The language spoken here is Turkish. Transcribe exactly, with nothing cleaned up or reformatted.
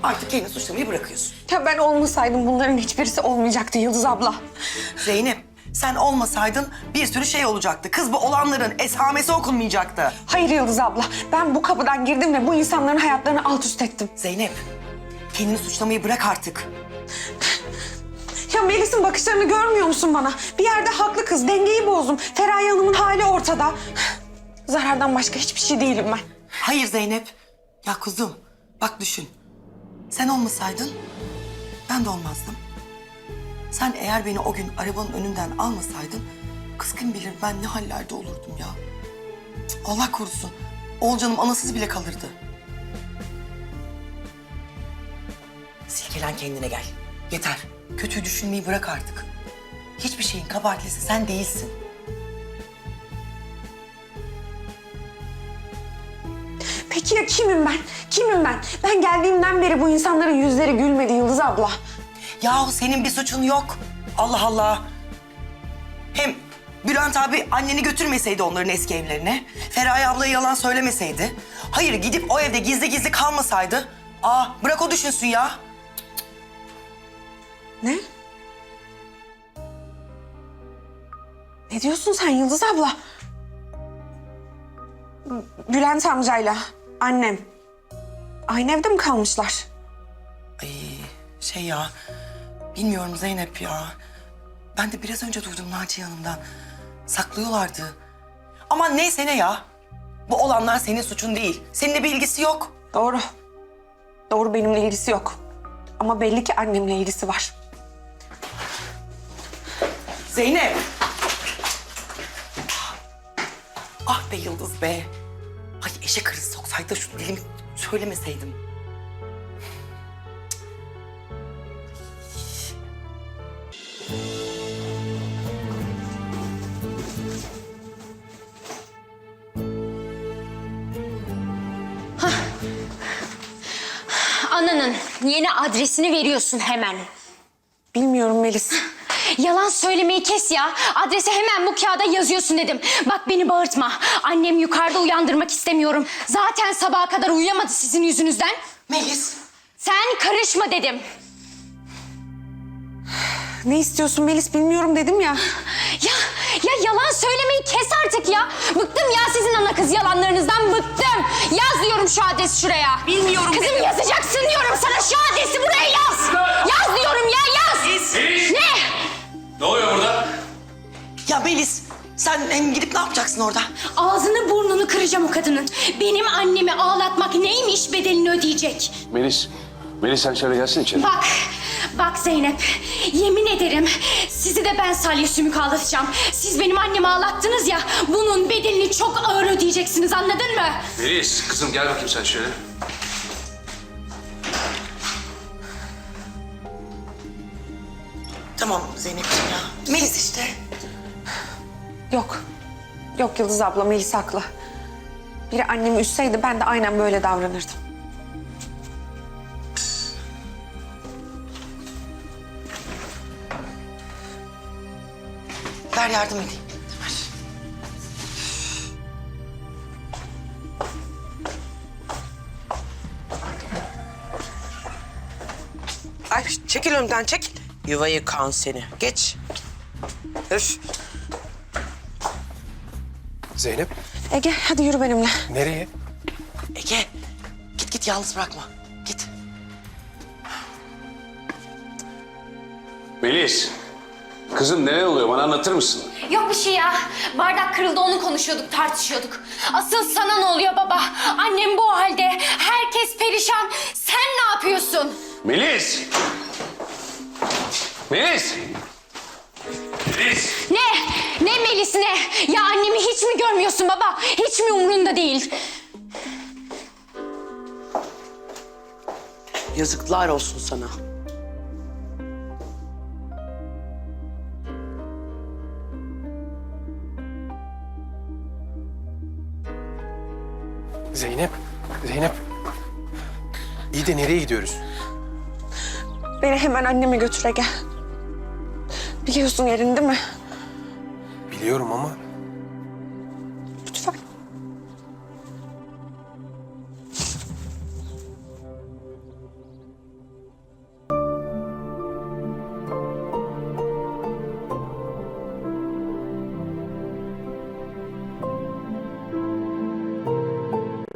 Artık kendini suçlamayı bırakıyorsun. Ya ben olmasaydım bunların hiçbirisi olmayacaktı Yıldız abla. Zeynep, sen olmasaydın bir sürü şey olacaktı. Kız bu olanların esamesi okunmayacaktı. Hayır Yıldız abla, ben bu kapıdan girdim ve bu insanların hayatlarını alt üst ettim. Zeynep, kendini suçlamayı bırak artık. Ya Melis'in bakışlarını görmüyor musun bana? Bir yerde haklı kız, dengeyi bozdum. Feraye Hanım'ın hali ortada. Zarardan başka hiçbir şey değilim ben. Hayır Zeynep. Ya kuzum, bak düşün. Sen olmasaydın ben de olmazdım. Sen eğer beni o gün arabanın önünden almasaydın, kız kim bilir ben ne hallerde olurdum ya. Cık, Allah korusun. Oğulcanım anasız bile kalırdı. Silkelen kendine gel. Yeter. Kötüyü düşünmeyi bırak artık. Hiçbir şeyin kabahatlisi sen değilsin. Peki ya kimim ben? Kimim ben? Ben geldiğimden beri bu insanların yüzleri gülmedi Yıldız abla. Yahu senin bir suçun yok. Allah Allah. Hem Bülent abi anneni götürmeseydi onların eski evlerine, Feraye ablaya yalan söylemeseydi, hayır gidip o evde gizli gizli kalmasaydı, aa bırak o düşünsün ya. Ne? Ne diyorsun sen Yıldız abla? Bülent amcayla annem aynı evde mi kalmışlar? Ay şey ya, bilmiyorum Zeynep ya. Ben de biraz önce duydum Naciye Hanım'dan. Saklıyorlardı. Ama neyse ne ya. Bu olanlar senin suçun değil. Seninle bir ilgisi yok. Doğru. Doğru, benimle ilgisi yok. Ama belli ki annemle ilgisi var. Zeynep! Ah be Yıldız be. Ay eşek arısı soksaydı da şu dilimi söylemeseydim. Ananın yeni adresini veriyorsun hemen. Bilmiyorum Melis. Yalan söylemeyi kes ya. Adresi hemen bu kağıda yazıyorsun dedim. Bak beni bağırtma. Annem yukarıda uyandırmak istemiyorum. Zaten sabaha kadar uyuyamadı sizin yüzünüzden. Melis. Sen karışma dedim. Ne istiyorsun Melis, bilmiyorum dedim ya. Ya, ya yalan söylemeyi kes artık ya. Bıktım ya sizin ana kız yalanlarınızdan bıktım. Yaz diyorum şu adresi şuraya. Bilmiyorum Kızım dedim. yazacaksın diyorum sana, şu adresi buraya yaz. Yaz diyorum ya, yaz. Melis. Ne? Ne oluyor burada? Ya Melis, sen hem gidip ne yapacaksın orada? Ağzını burnunu kıracağım o kadının. Benim annemi ağlatmak neymiş, bedelini ödeyecek. Melis, Melis sen şöyle gelsin içeri. Bak, bak Zeynep. Yemin ederim sizi de ben salya sümük ağlatacağım. Siz benim annemi ağlattınız ya, bunun bedelini çok ağır ödeyeceksiniz, anladın mı? Melis, kızım gel bakayım sen şöyle. Tamam Zeynep'ciğim ya. Melis işte. Yok. Yok Yıldız abla, Melis haklı. Biri annemi üzseydi ben de aynen böyle davranırdım. Ver yardım edeyim. Ver. Ay çekil önden çekil. Yuva yıkan seni. Geç. Öf. Zeynep, Ege hadi yürü benimle. nereye? Ege, git git yalnız bırakma. Git. Melis, kızım neler oluyor bana anlatır mısın? Yok bir şey ya. Bardak kırıldı, onu konuşuyorduk, tartışıyorduk. Asıl sana ne oluyor baba? Annem bu halde, herkes perişan. Sen ne yapıyorsun? Melis! Melis! Melis! Ne? Ne Melis ne? Ya annemi hiç mi görmüyorsun baba? Hiç mi umrunda değil? Yazıklar olsun sana. Zeynep, Zeynep. İyi de nereye gidiyoruz? Beni hemen anneme götür Ege. Biliyorsun yerini değil mi? Biliyorum ama